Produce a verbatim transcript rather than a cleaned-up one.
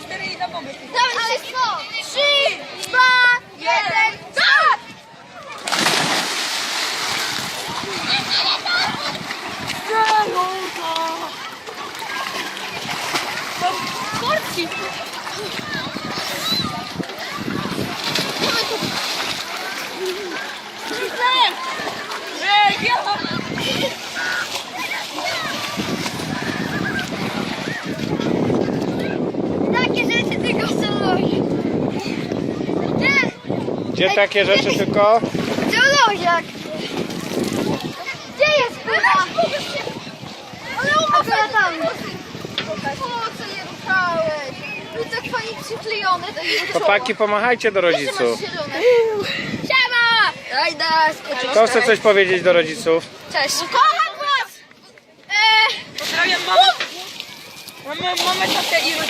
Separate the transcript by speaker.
Speaker 1: cztery i na bombę.
Speaker 2: Ale co? Trzy, dwa, jeden, start!
Speaker 1: Sporci! Ej, ja!
Speaker 2: Takie rzeczy tylko są. Nie,
Speaker 3: Gdzie takie rzeczy tylko?
Speaker 2: zoologiak. Gdzie jest pływa? Ale umarła tam. Po co je ruszałeś? Był tak fajnie przyklejone.
Speaker 3: Chłopaki, pomachajcie do rodziców.
Speaker 2: Siema! Rajda,
Speaker 3: Kto chce coś powiedzieć do rodziców?
Speaker 2: Cześć. Kocham was! Eee,
Speaker 1: Pozdrawiam mamę. Mamy, mamy tatę i rodziców.